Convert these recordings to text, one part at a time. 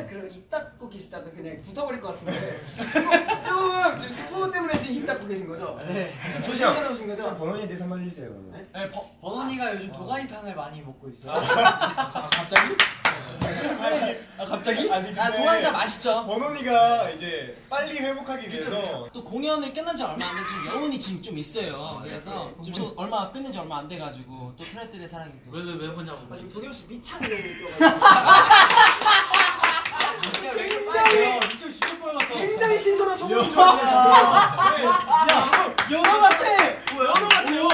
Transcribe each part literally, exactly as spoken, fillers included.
처음에 그 입 닫고 계시다가 그냥 붙어버릴 것 같은데 좀 지금 스포 때문에 지금 입 닫고 계신 거죠? 네. 좀 조심스러우신 거죠? 번원이에 대해서 한마디 해주세요. 네? 네, 버, 버논이가 요즘 도가니탕을 많이 먹고 있어요. 아, 갑자기? 아 갑자기? 아니 아, 도가니탕 맛있죠? 번원이가 이제 빨리 회복하기 위해서 또 공연을 끝난 지 얼마 안 돼서 지금 여운이 지금 좀 있어요. 그래서 좀 얼마 끝낸 지 얼마 안 돼가지고 또 트레트의 사랑이 또. 왜왜 왜 혼자 아, 지금 먹는 도겸 씨 미창이 너무 느껴가지고 굉장히 이쪽 진짜 빨갛다. 굉장히 신선한 소문이 들어왔어요. 연어 같아! 연어 같아요.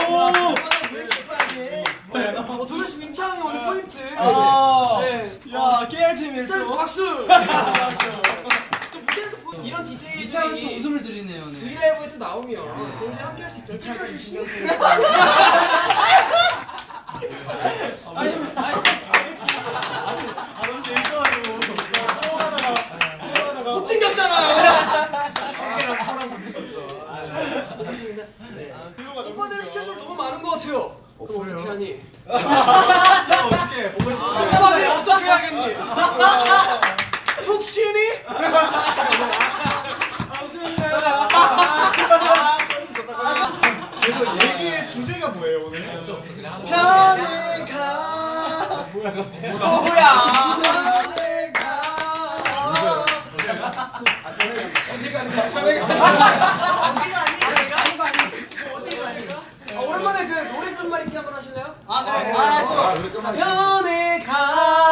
어, 도겸 씨 미창이 오늘 포인트. 아, 네. 야, 깨알찜이 스타일에서 또. 박수. 또 무대에서 보- 이런 디테일이 이창은 또 웃음을 드리네요. 네. 브이라이브에 또 나오면 굉장히 함께할 수 있잖아요. 이창은 신경 쓰는 아니, 아니. 아 너무 재밌어가지고 또 하나가 또 하나가 못 챙겼잖아요. 아랑 사랑 부딪혔어. 좋습니다. 네. 필요가 너무 오빠들 웃겨. 스케줄 너무 많은 것 같아요. 그럼 없어요. 어떻게 하니? 야 어떻게 보고 싶어? 오빠들 어떻게 하겠니? 푹 쉬니? 아, 웃음인가요? 그래서 얘기의 주제가 뭐예요 오늘? 편에 가. 뭐야, 뭐야? 갑자기. 편에 가. 어디 가는 거야? 편에 가. 어디가 아니? 어디가 아니? 아, 오랜만에 그 노래 끝말잇기 한번 하실래요? 아, 네. 아, 또. 아, 노래 자, 끝말잇기. 편에 가.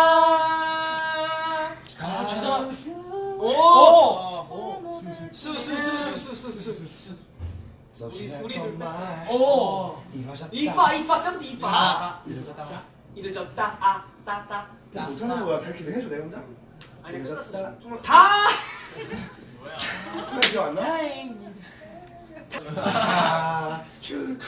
아, 죄송. 오. 오. 수수수수수수수. 우리 우리 둘. 오. 이파 이파 세븐트 이파. 아, 이러졌다. 이르졌다 아따따. 못하는 거야. 다 이렇게 해줘 내 혼자. 아니 끝났어. 이러졌다. 다. 수면 기억 안 나? 아, 출.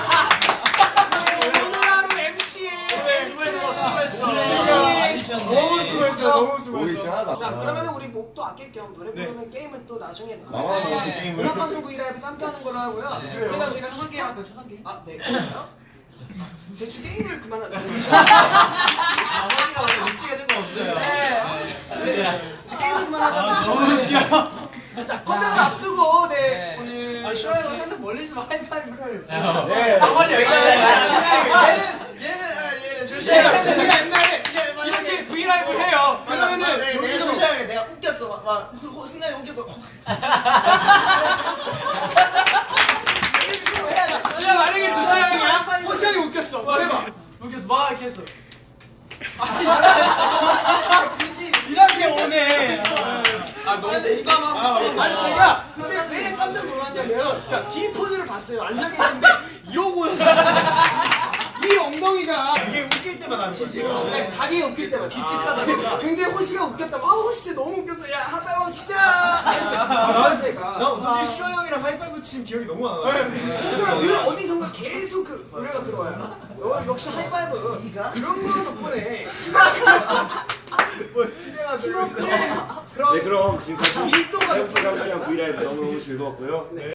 오늘 하루 엠씨. 수고했어 수고했어. 너무 수고했어 너무 보이지 수고했어. 하나도 안 자 나. 그러면 우리 목도 아낄 겸 노래 네. 부르는 게임은 또 나중에 나와 네. 어떤 게임을? 음악방송 브이라이브 함께 하는 걸로 하고요. 네. 그러면 그래요. 저희가 초상 게임 할까요? 초상 게임? 아 네. 그래요? 대충 게임을 그만하자. 아버지가 원래 눈치가 좀 없어요. 네. 네. 저 게임을 그만하자. 너무 웃겨. 자 컴백을 앞두고 네 네. 오늘 아, 쇼에서 항상 멀리서 하이파이브를. 네. 빨리 여기 얘는, 얘는, 얘는 조심해. 제가 제가 옛날에 이렇게 브이라이브 해요. 그러면은 내가 여기서 조심하게 내가 웃겼어. 막, 막 호- 순간에 웃겼어. 이거 해야 돼. 야 만약에 조시양이야 호시양이 웃겼어. 뭐 해봐. 웃겼어. 막 이렇게 했어. 굳이 이렇게 오네. 아 너무 이거 막 아, 웃겨. 아니 제가 그때 왜 깜짝 놀랐냐면 그러니까 뒤 포즈를 봤어요. 앉아 계신데 이러고 이 엉덩이가 이게 웃길 때만 하는 거지. 그냥 자기가 웃길 때만 기특하다. 굉장히 호시가 웃겼다. 아 호시 진짜 너무 웃겼어. 야 하빠이원 시작. 나 어쩐지 슈아 형이랑 하이파이브 친 기억이 너무 안 나. 그냥 늘 어디선가 계속 그 노래가 들어와요. 어, 역시 하이파이브 네가? 그런 거 덕분에 뭐 집에가 팀워크의 네 그런 그럼 지금까지 밀도가 셀프 장기랑 브이라이브 너무너무 즐거웠고요. 네.